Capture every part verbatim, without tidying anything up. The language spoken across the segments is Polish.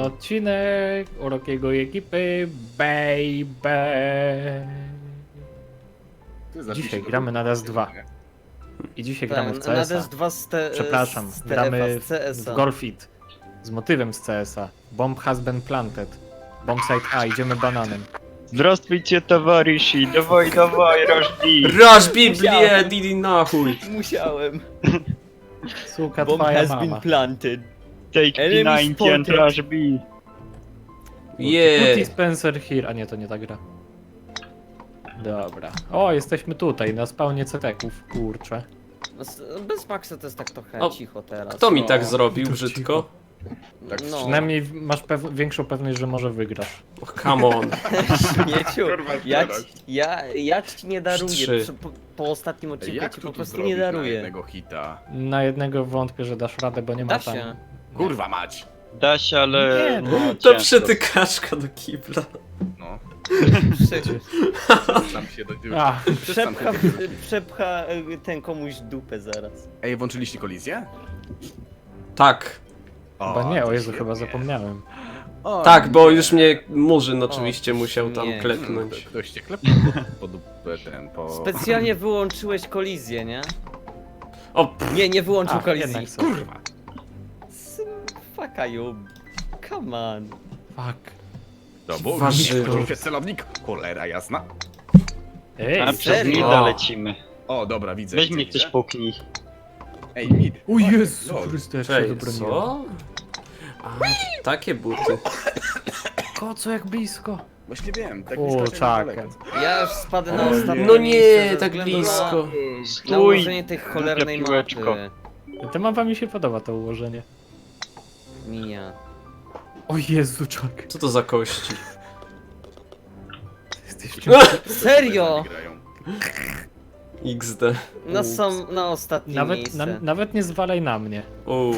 odcinek Urokiego i ekipy, baby. Dzisiaj gramy na D S dwa. I dzisiaj gramy w C S A. Na D S dwa z te, Przepraszam, z gramy C S w A. Golfit. Z motywem z C S A. Bomb has been planted. Bomb site A, idziemy bananem. Здравствуйте, товарищи! Давай, давай, рожди! Raż Biblię, Didi na chuj! Musiałem. Suka Bomb twoja has mama. been planted. Take P Enemy dziewięćdziesiąt and spotted. rush B! Putty Yeah. Spencer here. A nie, to nie ta gra. Dobra. O, jesteśmy tutaj, na spawnie ceteków, kurczę. Bez Maxa to jest tak trochę O, cicho teraz. Kto mi no. tak zrobił to brzydko? Tak, No. przynajmniej masz pew większą pewność, że może wygrasz. Oh, come on. Śmieciu, ja, ci- ja, ja ci nie daruję. Trzy. Przy- Po, po ostatnim odcinku Jak ci tu po to prostu zrobić nie na daruję. jednego hita? Na jednego wątpię, że dasz radę, bo nie ma Da tam... się. Kurwa mać! Da się, ale... Nie, no, To ciężko. przytykaszka do kibla. No. Prze- Tam się do tyłu. A, Przepcha, przepcha y, ten komuś dupę zaraz. Ej, włączyliście kolizję? Tak. chyba nie, o to Jezu, świetnie. chyba zapomniałem. O, Tak, bo nie. już mnie Murzyn oczywiście musiał tam nie. Hmm, klepnąć. to Ktoś cię klepnął po, po dupę ten, po... Specjalnie wyłączyłeś kolizję, nie? O, pff, Nie, nie wyłączył A, kolizji. jednak sobie. Kurwa! Fuck you. Come on. Fuck. To był Warzywo. Kurwa, celownik! Cholera jasna. Ej, A przez serio? mida lecimy. O, dobra, widzę. Weź widzę, mnie ktoś widzę. puknij. Ej, mid. o Jezu Lol. Chryste, jak się cześć, wybroniłem. co? A, takie buty. Ko, co jak blisko. Właśnie wiem, tak O, blisko, czaka. daleko. Ja już spadę na O nie. ostatnie No miejsce nie, ze tak względu blisko. Na, na Stój! ułożenie tej cholernej Głupia piłeczko. mapy. Ta mapa mi się podoba, to ułożenie. Minia. O Jezu, czak. Co to za kości? Jesteś Serio? Grają. iks de. Na sam, na ostatnie Nawet, miejsce. na, nawet nie zwalaj na mnie. Uuu.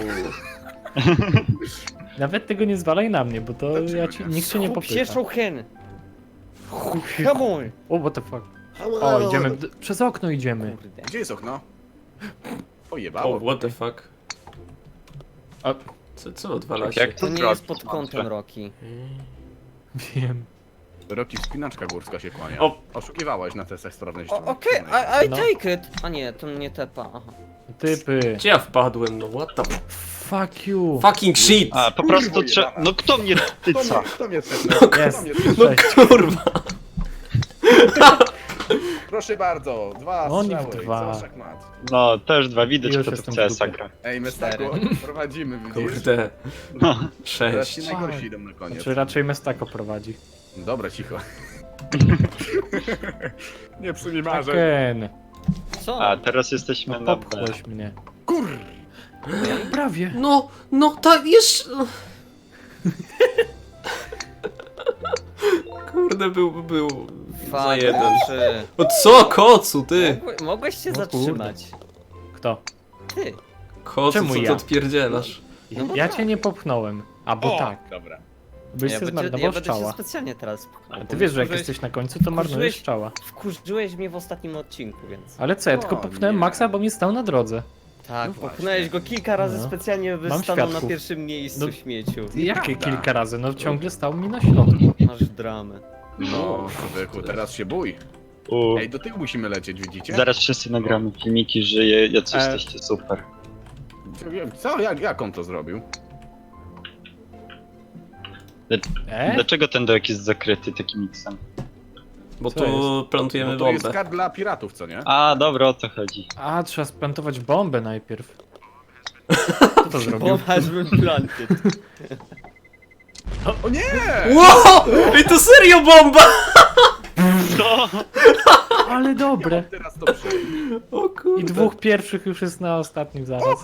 Nawet tego nie zwalaj na mnie, bo to Dlaczego ja ci, nie? nikt się nie Skup się, popycha. Shouhen. Come on. O, what the fuck. O, idziemy, d- przez okno idziemy. Kurde. Gdzie jest okno? O, Pojebało. what the fuck. A, Co, co odwala Tak się? jak To nie zrobić, jest pod mądrze. kątem Roki. wiem. Roki wspinaczka górska się kłania. O. Oszukiwałeś na testach sprawności. O, Okej, I, I No. take it. A nie, to nie tepa. Aha. Typy. Gdzie ja wpadłem? No what the Fuck you. fucking shit! A, po prostu trzeba... No kto mnie tyca? Kto mnie Jest. No Cześć. kurwa! Proszę bardzo, dwa Oni w strzały, dwa. co szachmat. No, też dwa, widać Już kto tu jestem w w C S a dupie. gra. Ej, Mestako, prowadzimy, widzisz? Kurde. No. Teraz ci Sześć. najgorsi idą na koniec. Czy raczej Mestako prowadzi? Dobra, cicho. Nie psuj mi marzeń. Ken, Co? A, teraz jesteśmy no na B. popchłeś mnie. Kur... Prawie. No, no tak jeszcze... Kurde, był, był za Fuck, jeden. trzy. O co, kocu, ty? Mogłe- Mogłeś się No zatrzymać. Kto? Ty. Kocu, Czemu co ty ja? odpierdzielasz? No bo Ja tak. cię nie popchnąłem. A bo O, tak. Dobra. Byś ja się będę, ja zmarnował będę się strzała. specjalnie teraz pchnął, A bo ty wiesz, że jak wkurzyłeś- jesteś na końcu, to marnujesz wkurzyłeś- strzała. Wkurzyłeś mnie w ostatnim odcinku, więc... Ale co, ja tylko O, popchnąłem nie. Maxa, bo mi stał na drodze. Tak, No popchnąłeś go kilka razy No. specjalnie, by Mam stanął na świadków. pierwszym miejscu, No. śmieciu. Jakie Prawda. kilka razy? No ciągle stał mi na środku. Masz dramę. No, człowieku, teraz się bój. U, Ej, do tyłu musimy lecieć, widzicie? zaraz wszyscy nagramy filmiki, że je, jacy E. jesteście super. Co? Jak, jak on to zrobił? E? Dlaczego ten dołek jest zakryty takim miksem? Bo Co tu plantujemy Bo to jest bombę. kart dla piratów, co nie? A, dobra, o to chodzi. A, trzeba splantować bombę najpierw. Kto to zrobił? Bomb has been planted. O nie! Wow! Ej, to serio bomba! Co? Ale dobre. Teraz to przyjdzie. O kurde. I dwóch pierwszych już jest na ostatnim zaraz.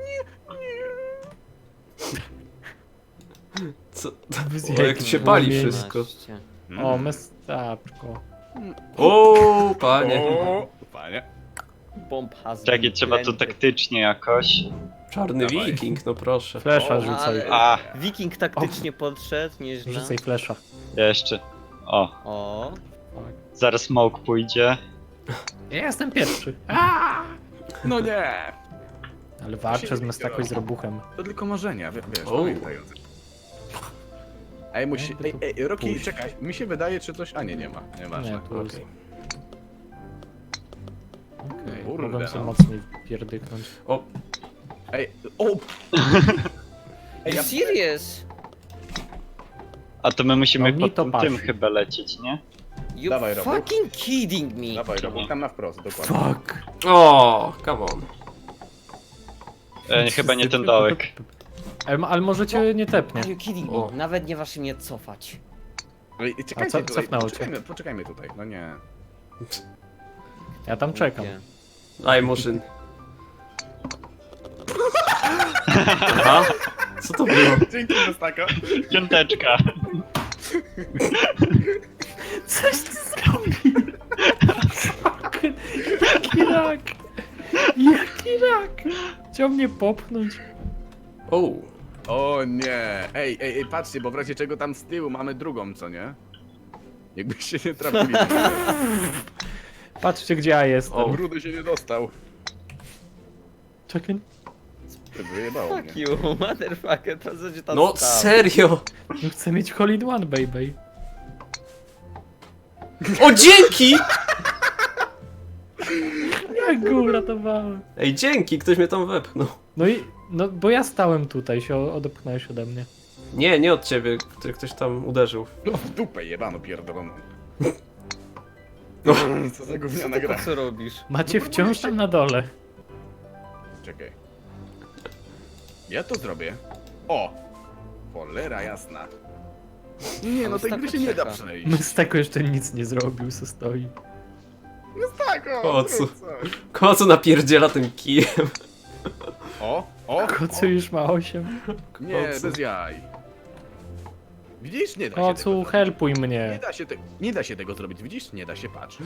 Co? Wyzjadł O, jak się pali płomień. wszystko. jedenaście. O, mestaczko. O, panie. O, panie. Bomb has Takie been trzeba to planted. taktycznie jakoś. Czarny Dawaj. wiking, no proszę. Flesza O, rzucaj. ale- A, Wiking taktycznie podszedł, nieźle. Rzucaj flesza. jeszcze. O, O, zaraz smoke pójdzie. Ja jestem pierwszy. No nie! Ale walczę z Mestako i z robuchem. To tylko marzenia, wie- wiesz, O. pamiętaj o tym. Ej, musi... Jakby Ej, tu ej, Roki, pójść. czekaj, mi się wydaje, czy coś... A nie, nie ma, nieważne. Nie, tu jest. Okej. Okej, Kurde, mogłem sobie no. mocniej pierdyknąć. O, Ej, o! Ej, ja- serious? A to my musimy No mi pod to tym, pasi. tym chyba lecieć, nie? You Dawaj, Robu. fucking kidding me. Dawaj, Robok, tam na wprost, dokładnie. Fuck! o, come on. E, chyba nie ten dołek. Ale, ale może cię nie tepnie. Are you kidding O. me? Nawet nie wasz mnie cofać. Ej, czekajcie co- tutaj, cofnęło cię? poczekajmy, poczekajmy tutaj, no nie. Ja tam czekam. Nie. Daj, Murzyn. Aha, co to było? Dzięki, Mestako. Piąteczka. Coś ty zrobił! Jaki rak! Jaki rak! Chciał mnie popchnąć. O, O nie! Ej, ej, ej, patrzcie, bo w razie czego tam z tyłu mamy drugą, co nie? Jakbyście nie trafili. Patrzcie gdzie ja jestem. O. Brudy się nie dostał. Czekaj. Wyjebało Fuck mnie. you, motherfucker, to co cię tam no stało? serio? No chcę mieć hole in one, baby. O, dzięki! Jak go uratowałem. Ej, dzięki, ktoś mnie tam wepchnął. No i, no bo ja stałem tutaj, się odepchnąłeś ode mnie. Nie, nie od ciebie, który ktoś tam uderzył. No w dupę jebano pierdoloną. No. Co za gówniana gra. Co robisz? Macie wciąż tam na dole. Czekaj. Ja to zrobię. O! Cholera jasna. Nie, no tej gry się nie da przejść. Mysteko jeszcze nic nie zrobił, se stoi. No tak, o! Po co? zrób coś. Kocu napierdziela tym kijem. O! O! Kocu już ma osiem. o. Nie, Kocu. bez jaj. Widzisz? Nie da się Kocu, tego helpuj Nie mnie. da się, te... nie da się tego zrobić, widzisz? Nie da się, patrz.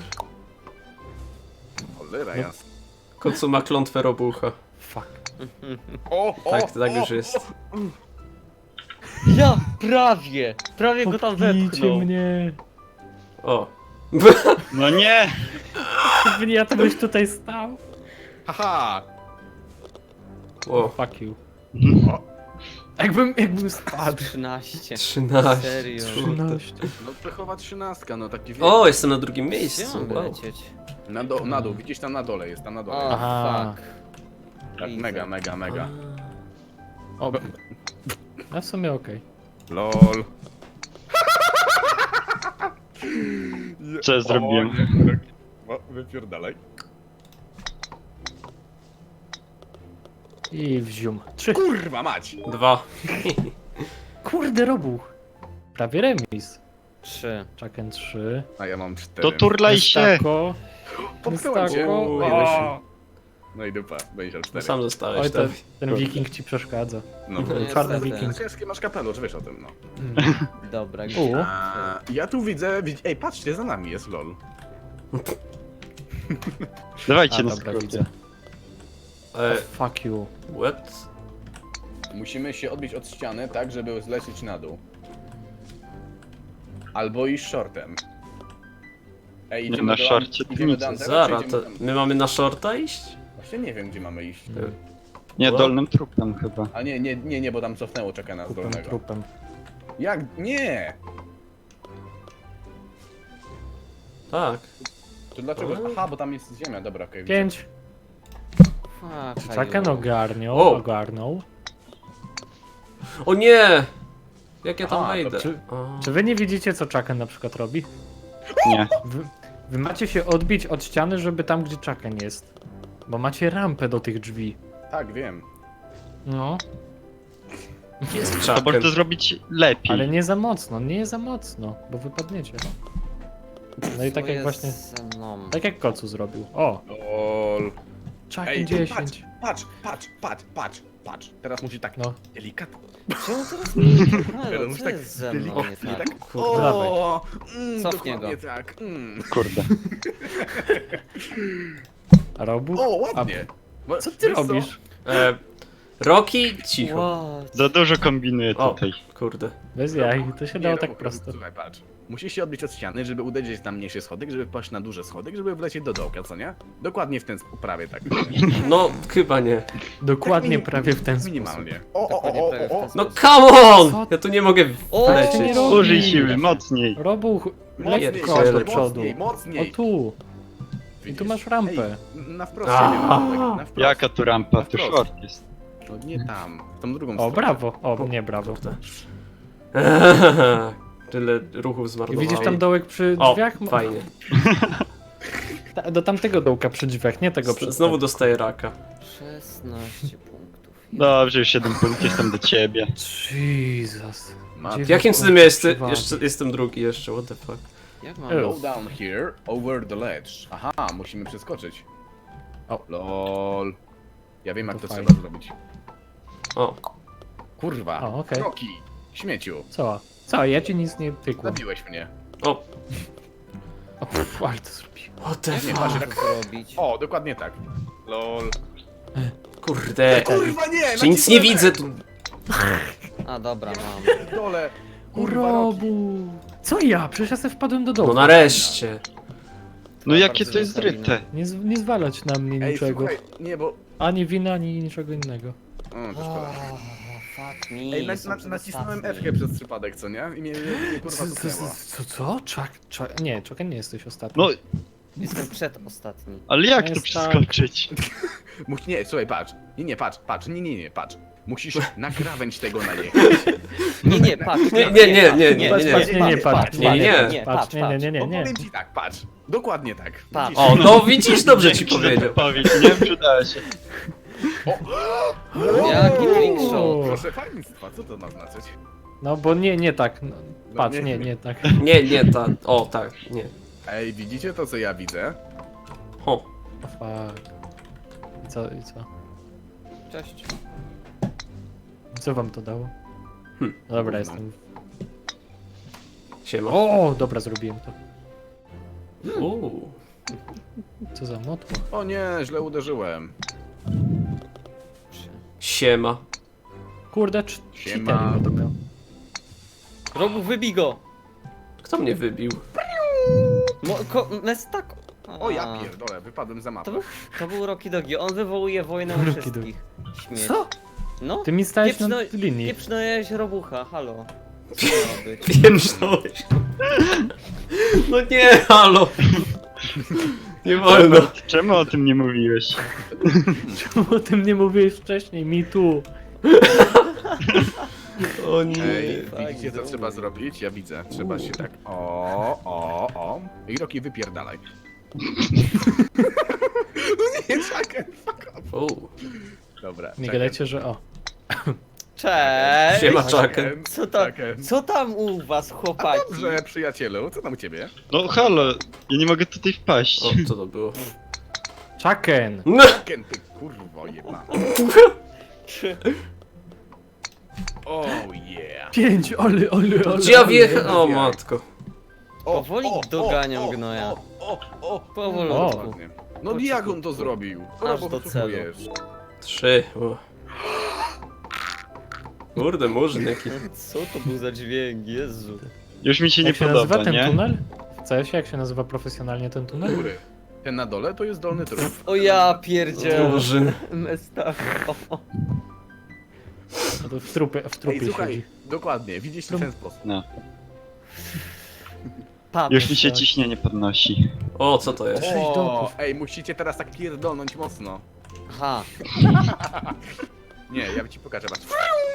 Cholera No. jasna. Kocu ma klątwę robucha. Fuck. O, o, Tak, tak o, już jest. o. Ja prawie! Prawie go tam Popchnijcie wepchnął. mnie. O. No nie! Ja to byś tutaj stał. Haha! O, Fuck you. O, Jakbym, jakbym spadł. trzynaście. trzynaście. Serio? trzynaście. no pechowa trzynastka, no taki wiek. O, jestem na drugim Gdzie miejscu. mam Wow. lecieć? Na, do, na dół, widzisz tam na dole, jest tam na dole. O, Aha. fuck. tak, widzę. mega, mega, mega. O. No w sumie okej. LOL. Co ja zrobiłem? O, nie, o, wypierdalaj. I wzium. Trzy. Kurwa mać! Dwa. Kurde robuch. Prawie remis. Trzy. Czaken trzy. A ja mam cztery. To turlaj się! Mystako. Popchnąłem cię. Mystako. Uuu, O. No i dupa, będziesz miał No cztery. sam zostałeś Oj, ten, tam. ten wiking ci przeszkadza. No. Nie, Czarny niestety. wiking. Ciężkie masz kapelusz, wiesz o tym, no. Mm. Dobra, U. gdzie? A, ja tu widzę, widz... ej patrzcie, za nami jest LOL. Dawajcie A, na dobra, skróty. widzę. E, Fuck you. what? Musimy się odbić od ściany tak, żeby zlecieć na dół. Albo iść shortem. Ej, Nie, idziemy na do, shorcie to idziemy nic. do Antera, Zara, czy to idziemy tam? my mamy na shorta iść? Właśnie nie wiem, gdzie mamy iść. Mm. Nie, dolnym trupem chyba. A nie, nie, nie, nie, bo tam cofnęło, czeka na Trupem, zdolnego. trupem. Jak? Nie! Tak. To dlaczego? A. Aha, bo tam jest ziemia, dobra, okej. widzę. Pięć. Fuck, Czaken you. ogarniał, O. ogarnął. O nie! Jak ja tam Aha, to wejdę? czy- A. Czy wy nie widzicie co Czaken na przykład robi? Nie. Wy, wy macie się odbić od ściany, żeby tam gdzie Czaken jest. Bo macie rampę do tych drzwi. Tak, wiem. No, Jest To czaken. można to zrobić lepiej. ale nie za mocno, nie za mocno, bo wypadniecie. No i tak Co jak jest właśnie, ze mną? tak jak Kocu zrobił. O, LOL. Czaken Ej, dziesięć. patrz, patrz, patrz, patrz, patrz, patrz. Teraz musi tak No, delikatnie. Czemu teraz mnie Teraz Halo, musi co tak jest ze mną nie delikatnie, tak? tak. Kurde, dawaj. O, mm, Cofnij dokładnie go. tak. Mm. Kurde. a robuch? O, ładnie. Bo- Co ty wiesz robisz? E, Roki, cicho. What? Za dużo kombinuję O, tutaj. kurde. Bez jaj, to się Nie, dało no, tak bo- prosto. Słuchaj, patrz. Musisz się odbić od ściany, żeby uderzyć na mniejszy schodek, żeby wpaść na duży schodek, żeby wlecieć do dołka, co nie? Dokładnie w ten sposób, prawie tak. No, chyba nie. Dokładnie minim- prawie w ten sposób. Minimalnie. O, o, Dokładnie o, prawie w o, ten o, No sposób. come on! Co? Ja tu nie mogę O, Ale się nie wlecieć. robi. Użyj siły, mocniej. Robuch, Mocniej, lekko mocniej, do przodu. mocniej, O mocniej. tu. I Widzisz? tu masz rampę. Ej, na wprost A. siebie, na dołek, na wprost. Jaka tu rampa? Na Tu wprost. short jest. No nie tam, w tą drugą O, stronę. brawo. O, nie brawo. Tyle ruchów I zmarnowałem. widzisz tam dołek przy O, drzwiach? Mo- fajnie. Ta, do tamtego dołka przy drzwiach, nie tego przy... Znowu dostaję raka. szesnaście punktów. Dobrze, już jeden punkt, jestem do ciebie. Jesus. Ma- Dziewięć Jakim cudem ja punktów jeszcze, przewagi. jeszcze jestem drugi jeszcze, what the fuck. Jak mam? Ej. Go down here, over the ledge. Aha, musimy przeskoczyć. O. Lol. Ja wiem jak To to, fajnie. trzeba zrobić. O, Kurwa. O, okej. Roki. Śmieciu. Co? Co? Ja ci nic nie pykłem. Zabiłeś mnie. o, O, pff, ale to zrobiłem. what the Nie, fuck. patrz, Jak tak. to zrobić? O, dokładnie tak. Lol. Kurde. Kurwa nie! Czy nic nie widzę tu. A dobra, mam. Dole. Kurwa, Roki. Robu. Co ja? Przecież ja sobie wpadłem do No dołu. nareszcie. No jakie bardzo to jest zostawimy. ryte? Nie, z- nie zwalać na mnie Ej, niczego. słuchaj, nie, bo... Ani winy, ani niczego innego. O, to O, szkoda. fuck me. Ej, na, jestem na, nacisnąłem przedostatni. F przez przypadek, co nie? I mnie, mnie kurwa Co? cofnęło. Co? co? Czak, czak, nie, czekaj, nie jesteś ostatni. No, Jestem przedostatni. ale jak Jest to tak. przeskoczyć? Mus, nie, słuchaj, patrz. Nie, nie, patrz, patrz, nie, nie, nie, patrz. Musisz na krawędź tego najechać. Nie, nie, patrz. Nie, nie, nie, nie, nie, Patrz, nie, patrz, nie, nie, patrz, nie, nie, nie, patrz, patrz, nie, nie, nie, nie, Bo nie. powiem ci tak, patrz. Dokładnie tak. Patrz. Widzisz? O, no widzisz, dobrze ci Dzięki za powiedział. podpowiedź, nie przydała się. Jaki trickshot. Proszę państwa, co to ma znaczyć? No bo nie, nie tak. No, No patrz, nie. nie, nie tak. Nie, nie, ta. O, tak, nie. Ej, widzicie to, co ja widzę? O, O, fuck. I co, i co? Cześć. Co wam to dało? Hm. No dobra, Gówno. jestem. siema. O, dobra, zrobiłem to. Uuu. Co za motło. O nie, źle uderzyłem. Siema. Kurde, cz- Siema. cheater będę miał. Robu, wybij go. Kto mnie wybił? Mo, ko, mes tak. O ja A, pierdolę, wypadłem za To mapę. był, to był Rocky Dogi. On wywołuje wojnę u Rocky wszystkich. Śmieć. Co? No? Ty mi stałeś na Pieprzno- linii. Pieprznąłeś robucha, halo. Co to ma być? Pieprznąłeś. No nie, halo. Nie wolno. Czemu o tym nie mówiłeś? Czemu o tym nie mówiłeś wcześniej? Mi tu. O nie. Ej, tak, widzicie co dobra. trzeba zrobić? Ja widzę. Trzeba się tak. O, o, o. I Roki wypierdalaj. No nie, czekaj, fuck up. Uuu. Dobra. Nie czekaj. gadajcie, że o. Cześć! Siema, Chucken. Co tam, Chucken. co tam u was, A chłopaki? dobrze, przyjacielu, co tam u ciebie? No halo, ja nie mogę tutaj wpaść. O, co to było? Chucken! No. Chucken, ty kurwo jeba. Trzy. Oh yeah. Pięć, ole, ole, ole. Gdzie ja ole. wjechałem? O matko. O, Powoli o, doganiam o, gnoja. O, o, o. Powolutku. Ładnie. No jak on to zrobił? Aż Bo do potrzebujesz. Trzy. O. Kurde, murzyn jaki. Co to był za dźwięk, Jezu. Już mi się nie Jak się nazywa podoba, ten nie? tunel? W C S-ie jak się nazywa profesjonalnie ten tunel? Góry. Ten na dole to jest dolny trup. O ja pierdzielę. Murzyn. Mestach. No to w trupie, w trupie Ej, słuchaj, siedzi. dokładnie, widzisz w ten sposób. No. Pan. Już mi się tak. ciśnienie podnosi. O, co to jest? Sześć O, dołków. ej, musicie teraz tak pierdolnąć mocno. Aha. Nie, ja ci pokażę, patrz.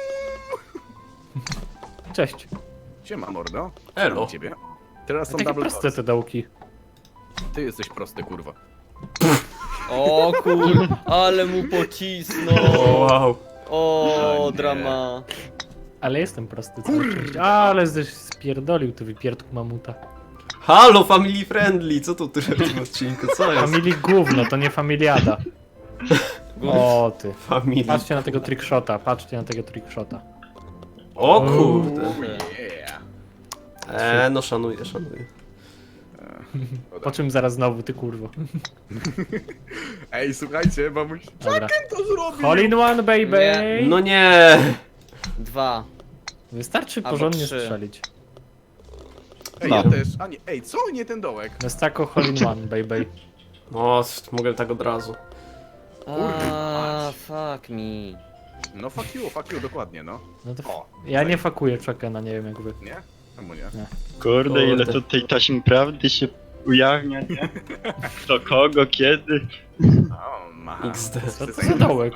Cześć. Siema, mordo. Elo. Mam ciebie. Teraz są Takie double proste doors. te dołki. Ty jesteś prosty, kurwa. O kur... Ale mu pocisnął. O, wow. O, O nie. drama. Ale jestem prosty cały czas. Ale żeś spierdolił ty wypierdku mamuta. Halo, family friendly. Co tu ty w tym odcinku? Co jest? Family gówno, to nie familiada. O ty. Family. Patrzcie na tego trickshota, patrzcie na tego trickshota. O kurde. Oh yeah. Eee, no szanuję, szanuję. Po czym zaraz znowu, ty kurwo. Ej, słuchajcie, mamuś... Dobra. to zrobił! Hole in one, baby! Nie. No nie! Dwa. Wystarczy Albo porządnie trzy. strzelić. Ej, No. ja też. A nie, ej, co? Nie ten dołek. Mestako hole in one, baby. O, mogę tak od razu. Aaa, fuck me. No fuck you, fuck you, dokładnie, no. No to O, ja nie fakuję Chuckena, nie wiem jak wy. Nie? Czemu nie? Kurde, ile Kurde. to tej taśmy prawdy się ujawnia, nie? Kto kogo, kiedy? O, ma. X D. Co to za dołek?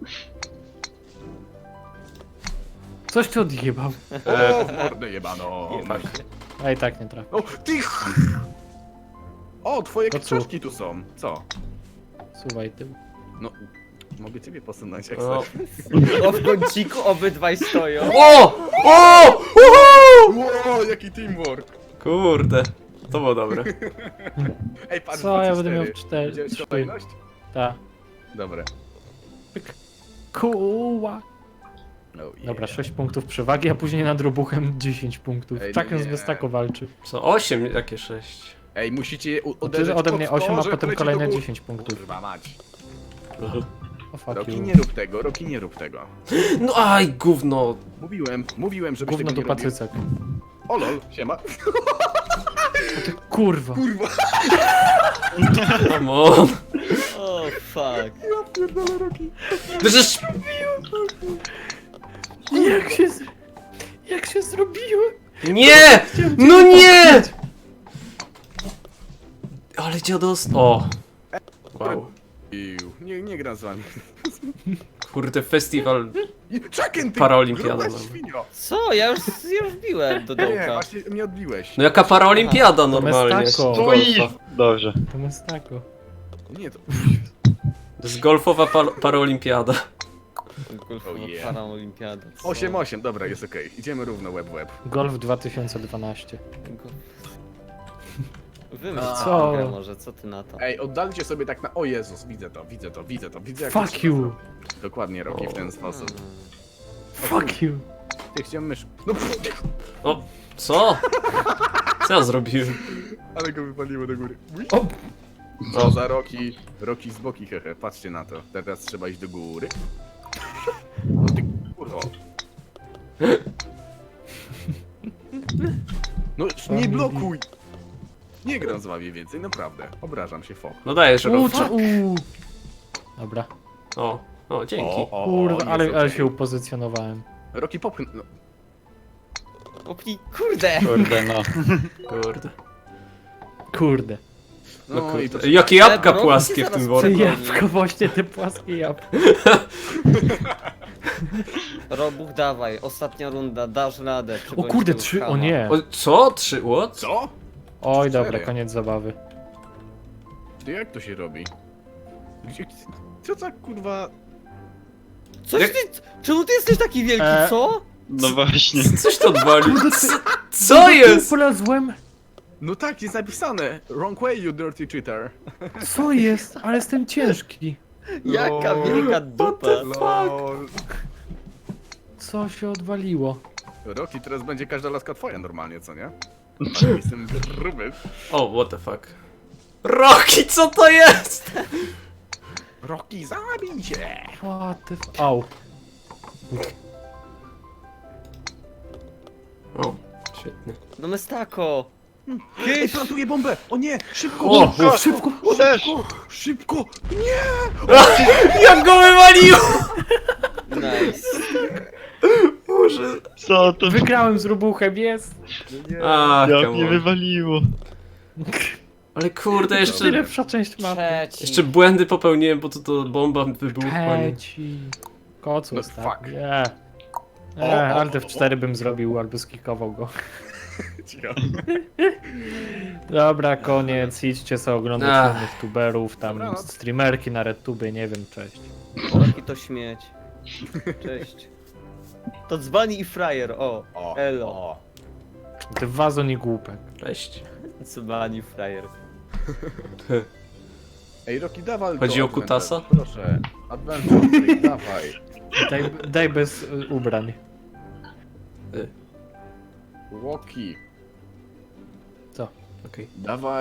Coś ty odjebał. O, w mordę jebano. Tak. A i tak nie trafię. O, ty! O, twoje To co? książki tu są. Co? Suwaj tył. No, mogę ciebie posunąć jak O. chcesz. O, w kąciku obydwaj stoją. O! O! Uhu! Wow, jaki teamwork. Kurde. To było dobre. Ej, patrz, Co, ja patrz, będę miał cztery. cztery. Widziałeś trzy. kolejność? Ta. Dobra. Pyk. Kuła. Oh, yeah. Dobra, sześć punktów przewagi, a później nad robuchem dziesięć punktów. Ej, no Chucken z nie. Mestako walczy. Co? osiem, jakie sześć? Ej, musicie u- Ty uderzyć ode pod mnie to, osiem, a że potem poleci kolejne do góry. dziesięć punktów. Kurwa mać. O fuck Roki, you. nie rób tego, Roki, nie rób tego. No aj, gówno. Mówiłem, mówiłem, żebyś Gówno tego do nie robił. pacycek. O lol, siema. O ty kurwa. Kurwa. Come on. O, fuck. Ja pierdolę Roki. Przecież... Jak się... z- Jak się zrobiłem? Nie! No nie! Ale dziados... O! Wow. Iu, Nie, nie gram z wami. Kurde, festiwal... Czekaj, ty! Paraolimpiada gruba mamy. No świnio. Co? Ja już, ja już biłem do Nie, dołka. właśnie mnie odbiłeś. No jaka paraolimpiada normalnie. Mestako. z To i... golfa. Dobrze. To Mestako. Nie, to... To jest golfowa pa paraolimpiada. Golfowa Oh yeah. paraolimpiada. co? osiem osiem, dobra, jest okej. Idziemy równo, łeb w łeb. Golf dwa tysiące dwanaście. Go- Wymyśl Co? co? Może, co ty na to? Ej, oddalcie sobie tak na... O Jezus, widzę to, widzę to, widzę to, widzę jak Fuck to trzeba you. zrobić. Dokładnie, Roki, w ten sposób. Fuck you. Ty chciałem mysz... No pff, O, co? Co ja zrobiłem? ale go wypaliło do góry. Ui. O! Co za Roki? Roki z boki, hehe, patrzcie na to. Teraz trzeba iść do góry. No ty kurwa. No nie blokuj! Nie gram z wami więcej, naprawdę. Obrażam się, fok. No dajesz, U, Rob. cz- u. Dobra. O, o, dzięki. o, Kurwa, jest ale, ale okej. się upozycjonowałem. Roki popchnę... No, Opnij, kurde! Kurde, no. Kurde. Kurde. no, No i kurde. to... Jakie jabłka Rob, płaskie ty w tym zaraz worku. Ty Przegoni. jabłko, właśnie te płaskie jabłko. Robuch, dawaj, ostatnia runda, dasz radę. O przegonić kurde, tego trzy, o chama. nie. O, co? Trzy, what? Co? Oj, Cztery. dobra, koniec zabawy. Ty jak to się robi? Gdzie... Co za kurwa... Coś Jak- ty, czemu ty jesteś taki wielki, E, co? No właśnie. Coś to odwalił. Co, co jest? Polazłem. No tak, jest napisane. Wrong way, you dirty cheater. Co jest? Ale jestem ciężki. Jaka Lol. wielka dupa. Lol. Co się odwaliło? Roki, teraz będzie każda laska twoja normalnie, co nie? Ale jestem gruby. O, what the fuck. Rocky, co to jest? Roki, zabij się! What the f... Au. O, świetnie. No Mestako! Ej, plantuję bombę! O nie! Szybko! O, szybko! szybko, uderz! Szybko! Jak go wywalił! Nice. Boże. Co to? Wygrałem z robuchem, jest. A, Jak come mnie on. wywaliło. Ale kurde, jeszcze... Najlepsza część mapy. Trzeci. Jeszcze błędy popełniłem, bo to, to bomba wybuchła. nie? Peci. Kocu No ostatni. fuck. Nie. O, Nie, o, ale w o, cztery bym zrobił albo skikował go. Cicho. Dobra, koniec. Idźcie sobie oglądać Ach. innych tuberów, tam Dobranoc. streamerki na RedTubie, nie wiem, cześć. Roki to śmieć. Cześć. To dzbani i frajer, o. O, Elo. o. Ty wazon i głupek. Cześć. Dzbani i frajer. Ej, Roki, dawaj Chodzi to o kutasa? adventure, proszę. Adventure, dawaj. Daj, daj bez y, ubrań. Łoki. Co? Okej. Dawaj.